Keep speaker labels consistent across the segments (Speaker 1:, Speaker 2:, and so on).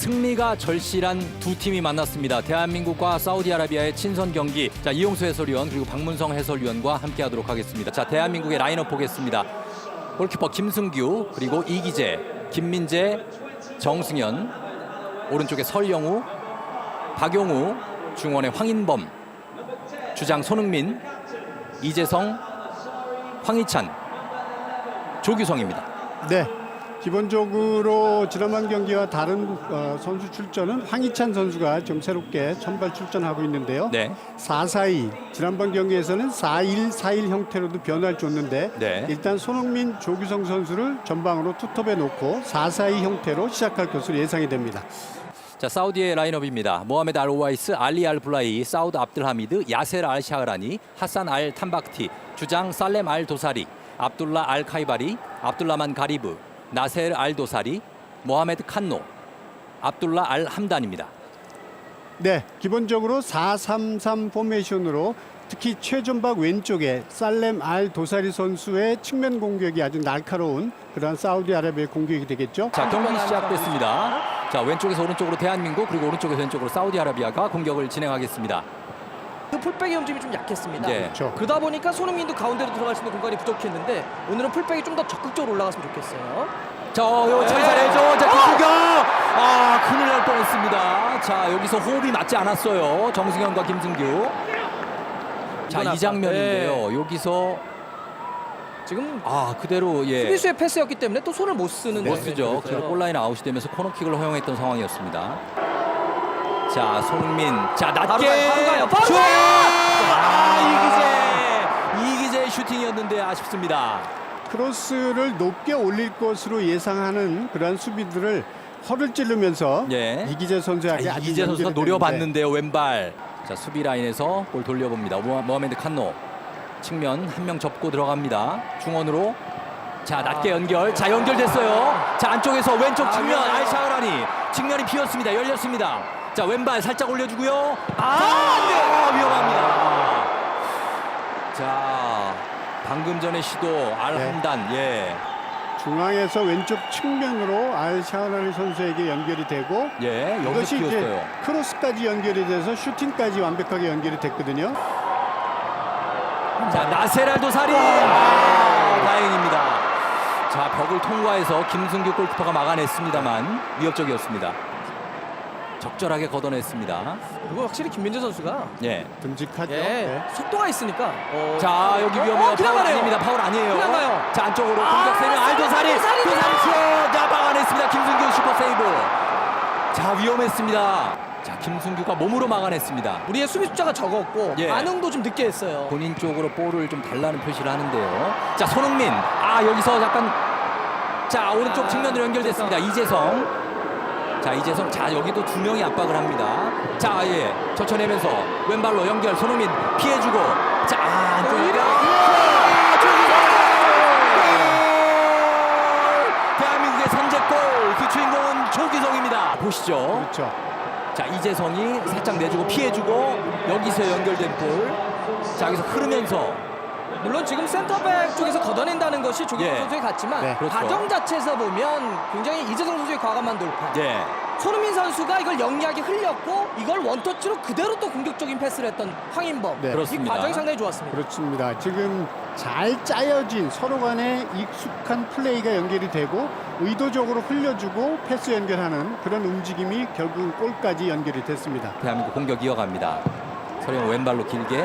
Speaker 1: 승리가 절실한 두 팀이 만났습니다. 대한민국과 사우디아라비아의 친선 경기. 자, 이용수 해설위원 그리고 박문성 해설위원과 함께하도록 하겠습니다. 자, 대한민국의 라인업 보겠습니다. 골키퍼 김승규, 그리고 이기재, 김민재, 정승현, 오른쪽에 설영우, 박용우, 중원의 황인범, 주장 손흥민, 이재성, 황희찬, 조규성입니다.
Speaker 2: 네, 기본적으로 지난번 경기와 다른 선수 출전은 황희찬 선수가 좀 새롭게 선발 출전하고 있는데요.
Speaker 1: 네.
Speaker 2: 4-4-2, 지난번 경기에서는 4-1-4-1 형태로도 변화를 줬는데
Speaker 1: 네.
Speaker 2: 일단 손흥민, 조규성 선수를 전방으로 투톱에 놓고 4-4-2 형태로 시작할 것으로 예상이 됩니다.
Speaker 1: 자, 사우디의 라인업입니다. 모하메드 알 오와이스, 알리 알 블라이, 사우드 압들하미드, 야세르 알 샤흐라니, 하산 알 탐박티, 주장 살렘 알 도사리, 압둘라 알 카이바리, 압둘라만 가리브, 나세르 알 도사리, 모하메드 칸노, 압둘라 알 함단입니다.
Speaker 2: 네, 기본적으로 4-3-3 포메이션으로 특히 최전방 왼쪽에 살렘 알 도사리 선수의 측면 공격이 아주 날카로운 그런 사우디아라비아의 공격이 되겠죠.
Speaker 1: 자, 경기 시작됐습니다. 자, 왼쪽에서 오른쪽으로 대한민국, 그리고 오른쪽에서 왼쪽으로 사우디아라비아가 공격을 진행하겠습니다.
Speaker 3: 그 풀백의 움직임이 좀 약했습니다.
Speaker 1: 예.
Speaker 2: 그렇죠.
Speaker 3: 그러다 보니까 손흥민도 가운데로 들어갈 수 있는 공간이 부족했는데 오늘은 풀백이 좀 더 적극적으로 올라갔으면 좋겠어요.
Speaker 1: 자, 요 전살해줘. 자, 김승규. 아, 큰일 날 뻔했습니다. 자, 여기서 호흡이 맞지 않았어요. 정승현과 김승규. 자, 이 장면인데요. 여기서
Speaker 3: 지금
Speaker 1: 그대로
Speaker 3: 수비수의 패스였기 때문에 또 손을 못 쓰는
Speaker 1: 못 쓰죠.
Speaker 3: 그래서
Speaker 1: 그래서 골라인 아웃이 되면서 코너킥을 허용했던 상황이었습니다. 자, 손흥민. 자, 낮게.
Speaker 3: 바로 가요. 바로
Speaker 1: 슛!
Speaker 3: 가요!
Speaker 1: 이기재의 슈팅이었는데 아쉽습니다.
Speaker 2: 크로스를 높게 올릴 것으로 예상하는 그러한 수비들을 허를 찌르면서
Speaker 1: 예.
Speaker 2: 이기재 선수에게 아주
Speaker 1: 이기재 선수가
Speaker 2: 연결이
Speaker 1: 노려봤는데요. 왼발. 자, 수비 라인에서 볼 돌려봅니다. 모하메드 칸노. 측면 한 명 접고 들어갑니다. 중원으로. 자, 낮게 연결. 자, 연결됐어요. 자, 안쪽에서 왼쪽 측면 알 샤흐라니. 측면이 비었습니다. 열렸습니다. 자, 왼발 살짝 올려주고요. 위험합니다. 자, 방금 전에 시도 알
Speaker 2: 네.
Speaker 1: 함단. 예.
Speaker 2: 중앙에서 왼쪽 측면으로 알 샤흐라니 선수에게 연결이 되고
Speaker 1: 예, 여기서
Speaker 2: 이것이 이제
Speaker 1: 비었어요.
Speaker 2: 크로스까지 연결이 돼서 슈팅까지 완벽하게 연결이 됐거든요.
Speaker 1: 자, 나세랄 도사리. 다행입니다. 자, 벽을 통과해서 김승규 골키퍼가 막아냈습니다만 위협적이었습니다. 적절하게 걷어냈습니다.
Speaker 3: 그리고 확실히 김민재 선수가
Speaker 1: 예.
Speaker 2: 듬직하죠.
Speaker 3: 예,
Speaker 2: 네.
Speaker 3: 속도가 있으니까
Speaker 1: 자, 여기 위험해요.
Speaker 3: 그냥
Speaker 1: 파울
Speaker 3: 가네요.
Speaker 1: 아닙니다. 파울 아니에요.
Speaker 3: 그냥 가요.
Speaker 1: 자, 안쪽으로 공격 세명 알도사리.
Speaker 3: 도사리!
Speaker 1: 도사리 슛. 자, 막아냈습니다. 김승규 슈퍼 세이브. 자, 위험했습니다. 자, 김승규가 몸으로 막아냈습니다.
Speaker 3: 우리의 수비 숫자가 적었고
Speaker 1: 예.
Speaker 3: 반응도 좀 늦게 했어요.
Speaker 1: 본인 쪽으로 볼을 좀 달라는 표시를 하는데요. 자, 손흥민. 여기서 약간 자, 오른쪽 측면으로 연결됐습니다. 이재성. 자, 이재성. 자, 여기도 두 명이 압박을 합니다. 자, 예. 젖혀내면서 왼발로 연결. 손흥민 피해주고. 자, 안쪽 연결. 대한민국의 선제골. 그 주인공은 조규성입니다. 보시죠.
Speaker 2: 그렇죠.
Speaker 1: 자, 이재성이 살짝 내주고 피해주고 여기서 연결된 볼. 자, 여기서 흐르면서
Speaker 3: 물론 지금 센터백 쪽에서 걷어낸다는 것이 조규성
Speaker 1: 예.
Speaker 3: 선수에 같지만
Speaker 2: 네,
Speaker 1: 그렇죠.
Speaker 3: 과정 자체에서 보면 굉장히 이재성 선수의 과감한 돌파.
Speaker 1: 예.
Speaker 3: 손흥민 선수가 이걸 영리하게 흘렸고 이걸 원터치로 그대로 또 공격적인 패스를 했던 황인범.
Speaker 2: 네.
Speaker 3: 이
Speaker 1: 그렇습니다.
Speaker 3: 과정이 상당히 좋았습니다.
Speaker 2: 그렇습니다. 지금 잘 짜여진 서로 간의 익숙한 플레이가 연결이 되고 의도적으로 흘려주고 패스 연결하는 그런 움직임이 결국 골까지 연결이 됐습니다.
Speaker 1: 대한민국 공격 이어갑니다. 서령 왼발로 길게.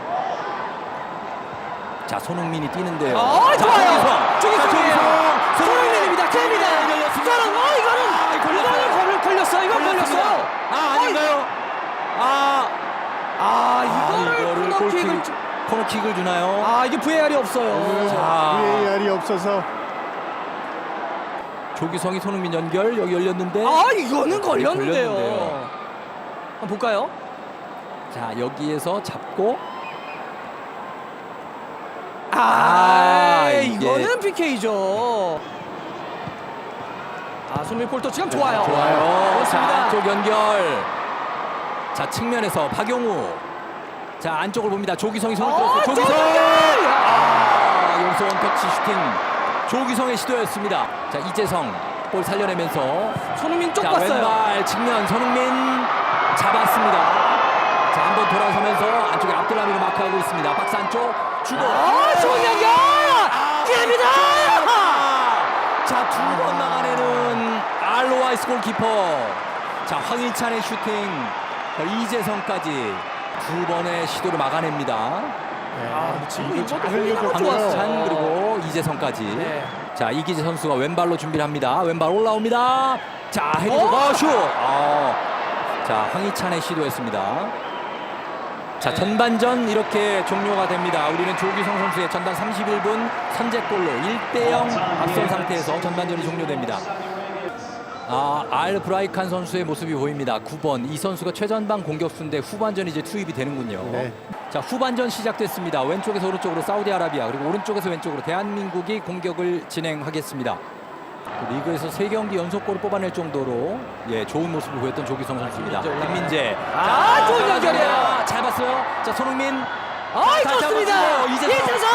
Speaker 1: 자, 손흥민이 뛰는데요. 자,
Speaker 3: 좋아요.
Speaker 1: 조규성.
Speaker 3: 손흥민입니다. 깁니다.
Speaker 1: 열렸습니다.
Speaker 3: 이거는 걸렸어요. 이건 걸렸어요.
Speaker 1: 아닌가요?
Speaker 3: 이거를
Speaker 1: 코너킥을 주나요?
Speaker 3: 이게 VAR이 없어요.
Speaker 1: 자.
Speaker 2: VAR이 없어서
Speaker 1: 조규성이 손흥민 연결. 여기 열렸는데.
Speaker 3: 이거는 걸렸는데요.
Speaker 1: 걸렸는데요.
Speaker 3: 한번 볼까요?
Speaker 1: 자, 여기에서 잡고. 이게-
Speaker 3: 이거는 PK죠. 손흥민 볼터 지금 좋아요.
Speaker 1: 좋아요.
Speaker 3: 그렇습니다.
Speaker 1: 자, 안쪽 연결. 자, 측면에서 박용우. 자, 안쪽을 봅니다. 조규성이 손을 들었어요. 조규성! 여기서 원터치 슈팅. 조규성의 시도였습니다. 자, 이재성 볼 살려내면서
Speaker 3: 손흥민 쪽
Speaker 1: 자,
Speaker 3: 봤어요.
Speaker 1: 왼발 측면 손흥민 잡았습니다. 자, 한번 돌아서면서 안쪽에 압둘라미가 마크하고 있습니다. 박스 안쪽 주고.
Speaker 3: 좋은 연결! 기회입니다!
Speaker 1: 자, 두 번 막아내는 알로와이스 골키퍼. 자, 황희찬의 슈팅. 이재성까지 두 번의 시도를 막아냅니다.
Speaker 3: 지금
Speaker 2: 이거
Speaker 3: 이것도
Speaker 2: 잘 흘려줬고요.
Speaker 1: 황희찬 그리고 이재성까지.
Speaker 3: 네.
Speaker 1: 자, 이기재 선수가 왼발로 준비를 합니다. 왼발 올라옵니다. 자, 헤딩 슛. 자, 황희찬의 시도였습니다. 자, 전반전 이렇게 종료가 됩니다. 우리는 조규성 선수의 전반 31분 선제골로 1대0 앞선 상태에서 전반전이 종료됩니다. 알 브라이칸 선수의 모습이 보입니다. 9번. 이 선수가 최전방 공격수인데 후반전 이제 투입이 되는군요.
Speaker 2: 네.
Speaker 1: 자, 후반전 시작됐습니다. 왼쪽에서 오른쪽으로 사우디아라비아 그리고 오른쪽에서 왼쪽으로 대한민국이 공격을 진행하겠습니다. 리그에서 3경기 연속골을 뽑아낼 정도로 좋은 모습을 보였던 조규성 선수입니다. 김민재.
Speaker 3: 좋은 연결이에요.
Speaker 1: 잘 봤어요. 자, 손흥민.
Speaker 3: 좋습니다. 이재성!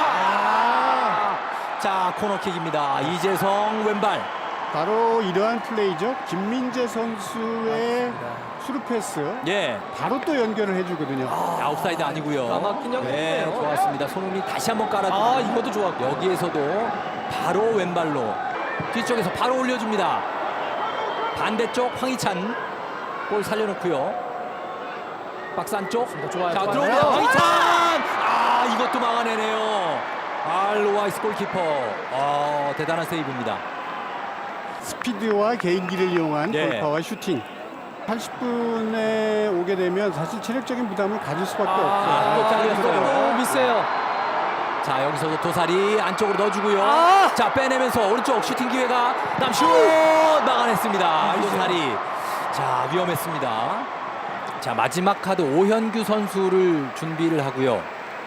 Speaker 1: 자, 코너킥입니다. 이재성 왼발.
Speaker 2: 바로 이러한 플레이죠. 김민재 선수의 수루 패스 바로 또 연결을 해주거든요.
Speaker 1: 아웃사이드 아니고요.
Speaker 3: 막힌 연결이네요.
Speaker 1: 좋았습니다. 손흥민 다시 한번 깔아주고.
Speaker 3: 이것도 좋았고.
Speaker 1: 여기에서도 바로 왼발로 뒤쪽에서 바로 올려줍니다. 반대쪽 황희찬 볼 살려놓고요. 박스 안쪽.
Speaker 3: 좋아요.
Speaker 1: 자,
Speaker 3: 좋아요.
Speaker 1: 들어옵니다. 황희찬. 이것도 막아내네요. 알로와이스 골키퍼. 대단한 세이브입니다.
Speaker 2: 스피드와 개인기를 이용한 골파와 슈팅. 80분에 오게 되면 사실 체력적인 부담을 가질 수밖에 없어요.
Speaker 1: 이거 잘렸어요.
Speaker 3: 너무 미세요.
Speaker 1: 자, 여기서도 도사리 안쪽으로 넣어주고요. 자, 빼내면서 오른쪽 슈팅 기회가 남슛 막아냈습니다. 도사리. 자, 위험했습니다. 자, 마지막 카드 오현규 선수를 준비를 하고요.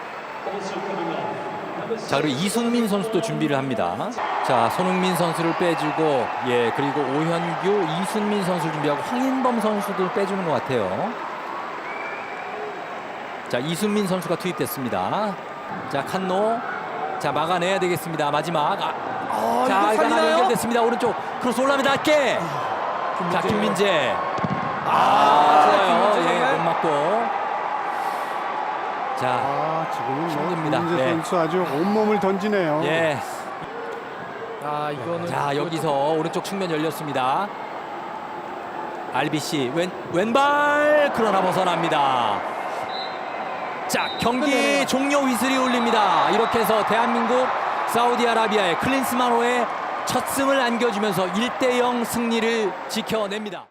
Speaker 1: 자, 그리고 이순민 선수도 준비를 합니다. 자, 손흥민 선수를 빼주고 그리고 오현규, 이순민 선수를 준비하고 황인범 선수도 빼주는 것 같아요. 자, 이순민 선수가 투입됐습니다. 자, 칸노. 자, 막아내야 되겠습니다. 마지막. 자, 이거 하나 연결됐습니다. 오른쪽 크로스 올라옵니다. 낮게. 자, 김민재. 좋아요. 못 맞고. 자,
Speaker 2: 지금은
Speaker 1: 힘듭니다.
Speaker 2: 김민재 선수 아주 온몸을 던지네요.
Speaker 3: 이거는
Speaker 1: 자, 여기서 오른쪽 측면 열렸습니다. RBC 왼발 그러나 벗어납니다. 자, 경기 종료 휘슬이 울립니다. 이렇게 해서 대한민국 사우디아라비아의 클린스만호의 첫 승을 안겨주면서 1대0 승리를 지켜냅니다.